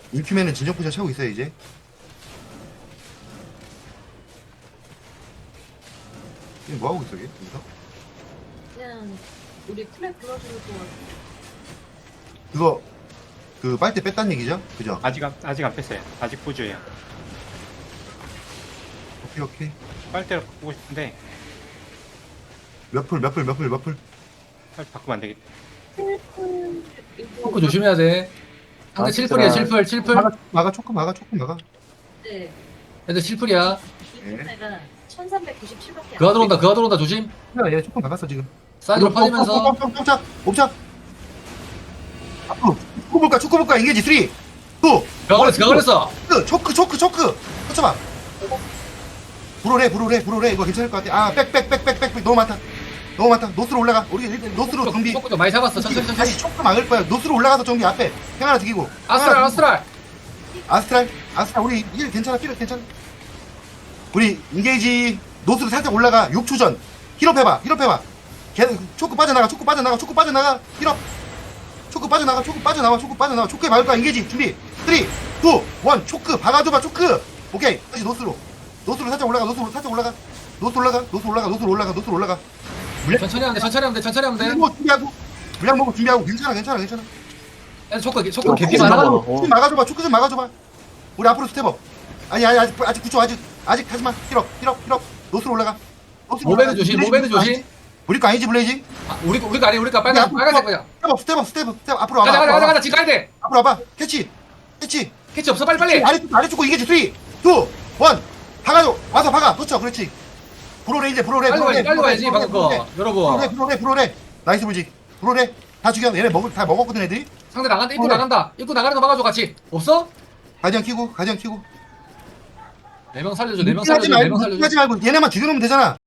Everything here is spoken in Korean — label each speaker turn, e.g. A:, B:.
A: 인큐맨은 진정 포션 차고 있어요 이제. 지금 뭐 하고 있어 얘? 여기서?
B: 그냥 우리 클랩 불러주는 동안
A: 그거 그 빨대 뺐단 얘기죠? 그죠?
C: 아직 안 뺐어요. 아직 보조예요.
A: 오케이 오케이.
C: 빨대로 바꾸고 싶은데
A: 몇 풀
C: 빨리 바꾸면 안 되겠다.
D: 초크 조심해야 돼. 상대 7풀이야 7풀 7풀.
A: 막아 초크 막아.
B: 네.
D: 애들 7풀이야.
B: 이분내가 1397밖에
D: 그가 들어온다 조심.
A: 얘 초크 막았어 지금.
D: 사이드로 빠지면서.
A: 옵차. 앞으로 축구 볼까 인게지 3 2 1
D: 그가 걸렸어.
A: 초크 터쳐봐. 불어래 이거 괜찮을 것 같아. 백 너무 많다. 노스로 올라가. 우리 일단 노스로 정비.
D: 초크 좀 많이 잡았어. 천천히.
A: 다시 초크 막을 거야. 노스로 올라가서 정비 앞에 행 하나 죽이고.
D: 아스트랄.
A: 아스트랄 우리 일 괜찮아. 우리 인게이지 노스로 살짝 올라가. 6초 전 힐업 해봐. 걔 초크 빠져나가. 힐업. 초크 빠져나와. 초크에 막을 거야. 인게이지 준비. 3 2 1 초크 박아줘봐. 초크. 오케이. 다시 노스로 살짝 올라가. 노스로 올라가.
D: 천천히 하면 돼.
A: 물량 먹고 준비하고 괜찮아.
D: 애들 초크 개피 많아.
A: 초크 좀 막아줘봐. 우리 앞으로 스텝업. 아니 아직 9초 아직 하지마. 힐업. 노스로 올라가.
D: 모베드 조심.
A: 우리 거 아니지 블레이지?
D: 우리가 아니 우리가 빨간색 거야.
A: 스텝업 앞으로 와봐.
D: 가자 지금 가야 돼.
A: 앞으로 와봐. 캐치.
D: 캐치 없어 빨리.
A: 아래쪽 거 이게지 3 2 1 박아줘. 와서 박아. 그렇죠. 그렇지. 브로레
D: 빨리 가야지 방금 거. 여러분.
A: 브로레. 나이스 불지. 브로레 다 죽여. 얘네 다 먹었거든 애들이.
D: 상대 나간다. 입구 나가는 거 막아줘 같이. 없어?
A: 가디언 키고.
D: 4명 살려줘.
A: 하지 말고 얘네만 죽여놓으면 되잖아.